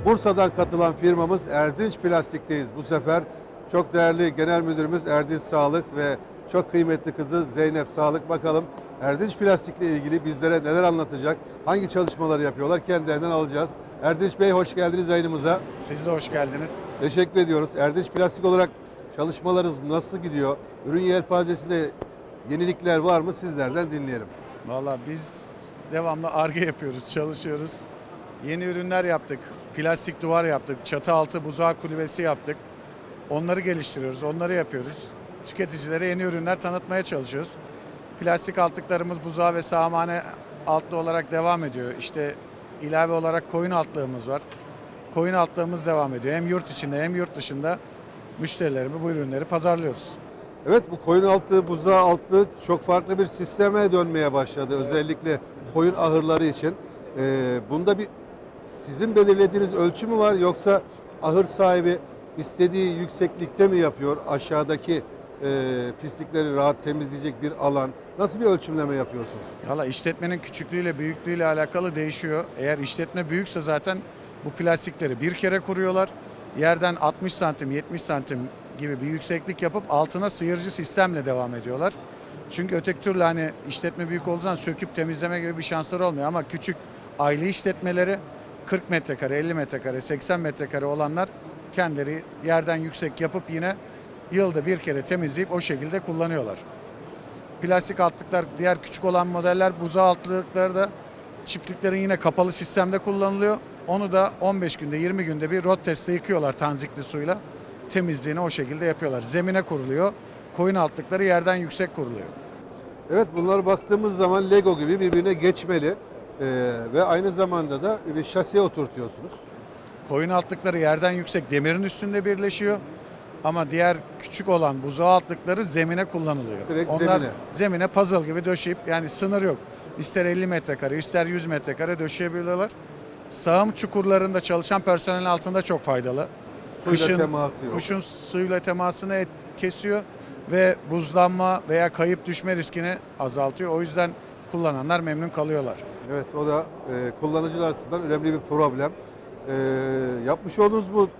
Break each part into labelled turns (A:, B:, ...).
A: Bursa'dan katılan firmamız Erdinç Plastik'teyiz. Bu sefer çok değerli Genel Müdürümüz Erdinç Sağlık ve çok kıymetli kızı Zeynep Sağlık. Bakalım Erdinç Plastik'le ilgili bizlere neler anlatacak, hangi çalışmaları yapıyorlar kendilerinden alacağız. Erdinç Bey hoş geldiniz yayınımıza.
B: Siz de hoş geldiniz.
A: Teşekkür ediyoruz. Erdinç Plastik olarak çalışmalarınız nasıl gidiyor? Ürün yelpazesinde yenilikler var mı? Sizlerden dinleyelim.
B: Valla biz devamlı Ar-Ge yapıyoruz, çalışıyoruz. Yeni ürünler yaptık. Plastik duvar yaptık. Çatı altı buzağı kulübesi yaptık. Onları geliştiriyoruz, onları yapıyoruz. Tüketicilere yeni ürünler tanıtmaya çalışıyoruz. Plastik altlıklarımız buzağı ve sağmane altlı olarak devam ediyor. İşte ilave olarak koyun altlığımız var. Koyun altlığımız devam ediyor. Hem yurt içinde hem yurt dışında müşterilerime bu ürünleri pazarlıyoruz.
A: Evet, bu koyun altı, buzağı altı çok farklı bir sisteme dönmeye başladı. Evet. Özellikle koyun ahırları için. Bunda bir sizin belirlediğiniz ölçü mü var, yoksa ahır sahibi istediği yükseklikte mi yapıyor? Aşağıdaki pislikleri rahat temizleyecek bir alan. Nasıl bir ölçümleme yapıyorsunuz?
B: Valla işletmenin küçüklüğüyle büyüklüğüyle alakalı değişiyor. Eğer işletme büyükse zaten bu plastikleri bir kere kuruyorlar. Yerden 60 santim 70 santim gibi bir yükseklik yapıp altına sıyırıcı sistemle devam ediyorlar. Çünkü öteki türlü hani işletme büyük olduğu zaman söküp temizleme gibi bir şansları olmuyor. Ama küçük aile işletmeleri 40 metrekare, 50 metrekare, 80 metrekare olanlar kendileri yerden yüksek yapıp yine yılda bir kere temizleyip o şekilde kullanıyorlar. Plastik altlıklar, diğer küçük olan modeller buzağı altlıkları da çiftliklerin yine kapalı sistemde kullanılıyor. Onu da 15 günde 20 günde bir rot testte yıkıyorlar tanzikli suyla. Temizliğini o şekilde yapıyorlar. Zemine kuruluyor. Koyun altlıkları yerden yüksek kuruluyor.
A: Evet, bunlar baktığımız zaman Lego gibi birbirine geçmeli ve aynı zamanda da bir şasiye oturtuyorsunuz.
B: Koyun altlıkları yerden yüksek demirin üstünde birleşiyor. Ama diğer küçük olan buzağı altlıkları zemine kullanılıyor.
A: Direkt
B: onlar zemine puzzle gibi döşeyip, yani sınır yok. İster 50 metrekare ister 100 metrekare döşeyebiliyorlar. Sağım çukurlarında çalışan personelin altında çok faydalı. Kışın suyla temasını kesiyor ve buzlanma veya kayıp düşme riskini azaltıyor. O yüzden kullananlar memnun kalıyorlar.
A: Evet, o da kullanıcılar açısından önemli bir problem. Yapmış olduğunuz bu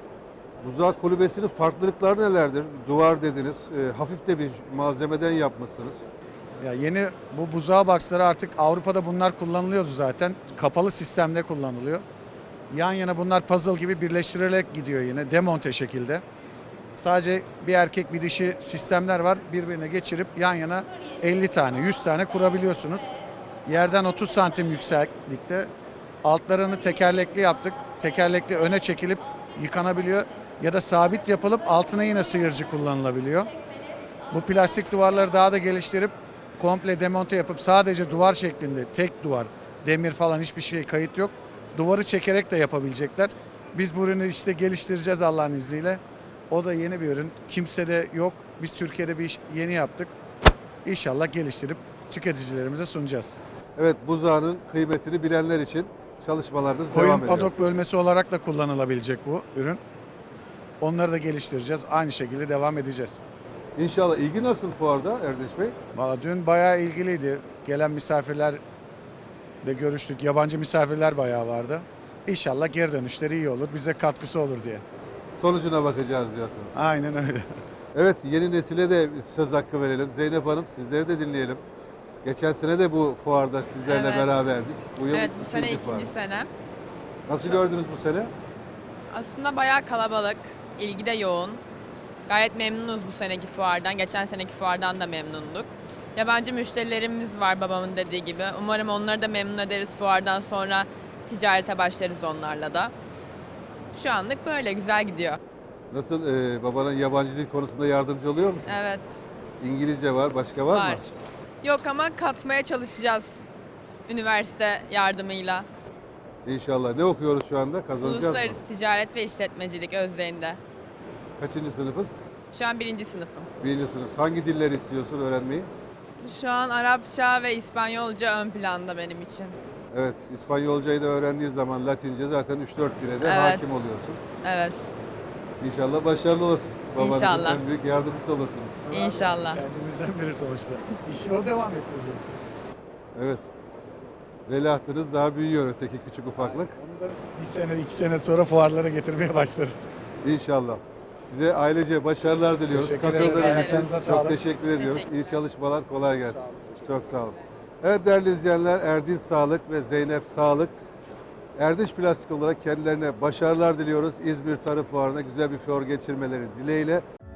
A: buzağı kulübesinin farklılıkları nelerdir? Duvar dediniz, hafif de bir malzemeden yapmışsınız.
B: Ya yeni bu buzağı boxları artık Avrupa'da bunlar kullanılıyordu zaten. Kapalı sistemde kullanılıyor. Yan yana bunlar puzzle gibi birleştirilerek gidiyor yine demonte şekilde. Sadece bir erkek bir dişi sistemler var. Birbirine geçirip yan yana 50 tane 100 tane kurabiliyorsunuz. Yerden 30 santim yükseklikte. Altlarını tekerlekli yaptık. Tekerlekli öne çekilip yıkanabiliyor. Ya da sabit yapılıp altına yine sıyırcı kullanılabiliyor. Bu plastik duvarları daha da geliştirip komple demonte yapıp sadece duvar şeklinde tek duvar, demir falan hiçbir şey kayıt yok. Duvarı çekerek de yapabilecekler. Biz bu ürünü işte geliştireceğiz Allah'ın izniyle. O da yeni bir ürün. Kimsede yok. Biz Türkiye'de bir iş yeni yaptık. İnşallah geliştirip tüketicilerimize sunacağız.
A: Evet, buzağının kıymetini bilenler için çalışmalarınız devam
B: Koyun
A: ediyor.
B: padok bölmesi olarak da kullanılabilecek bu ürün. Onları da geliştireceğiz. Aynı şekilde devam edeceğiz.
A: İnşallah. İlgi nasıl fuarda Erdinç Bey?
B: Valla dün bayağı ilgiliydi. Gelen misafirlerle görüştük. Yabancı misafirler bayağı vardı. İnşallah geri dönüşleri iyi olur. Bize katkısı olur diye.
A: Sonucuna bakacağız diyorsunuz.
B: Aynen öyle.
A: Evet, yeni nesile de söz hakkı verelim. Zeynep Hanım, sizleri de dinleyelim. Geçen sene de bu fuarda sizlerle
C: Evet.
A: beraberdik. Bu yıl
C: Evet, bu sene
A: ikinci fuar.
C: ikinci senem.
A: Nasıl gördünüz bu sene?
C: Aslında bayağı kalabalık, ilgi de yoğun. Gayet memnunuz bu seneki fuardan. Geçen seneki fuardan da memnunduk. Yabancı müşterilerimiz var babamın dediği gibi. Umarım onları da memnun ederiz fuardan sonra ticarete başlarız onlarla da. Şu anlık böyle güzel gidiyor.
A: Nasıl, babanın yabancı dil konusunda yardımcı oluyor musun?
C: Evet,
A: İngilizce var, başka var mı?
C: Yok ama katmaya çalışacağız üniversite yardımıyla.
A: İnşallah. Ne okuyoruz şu anda? Kazanacağız mı?
C: Uluslararası Ticaret ve İşletmecilik Özdeğin'de.
A: Kaçıncı sınıfız?
C: Şu an 1. sınıfım.
A: Birinci sınıf. Hangi dilleri istiyorsun öğrenmeyi?
C: Şu an Arapça ve İspanyolca ön planda benim için.
A: Evet, İspanyolcayı da öğrendiği zaman Latince zaten 3-4 dile de
C: Evet.
A: hakim oluyorsun.
C: Evet,
A: İnşallah başarılı olursun. Babanızın
C: İnşallah.
A: en büyük yardımcısı olursunuz.
C: İnşallah.
B: Kendimizden biri sonuçta. İşi o devam ettirecek.
A: Evet. Veliahtınız daha büyüyor öteki küçük ufaklık.
B: Onu da bir sene, 2 sene sonra fuarlara getirmeye başlarız.
A: İnşallah. Size ailece başarılar diliyoruz.
B: Teşekkür ederiz.
A: Katıldığınız için
B: Ayaklarınıza
A: çok
B: sağlık.
A: teşekkür ediyoruz.
C: Teşekkür
A: İyi çalışmalar, kolay gelsin. Çok sağ olun. Evet değerli izleyenler, Erdinç Sağlık ve Zeynep Sağlık, Erdinç Plastik olarak kendilerine başarılar diliyoruz. İzmir Tarım Fuarı'na güzel bir fuar geçirmeleri dileğiyle.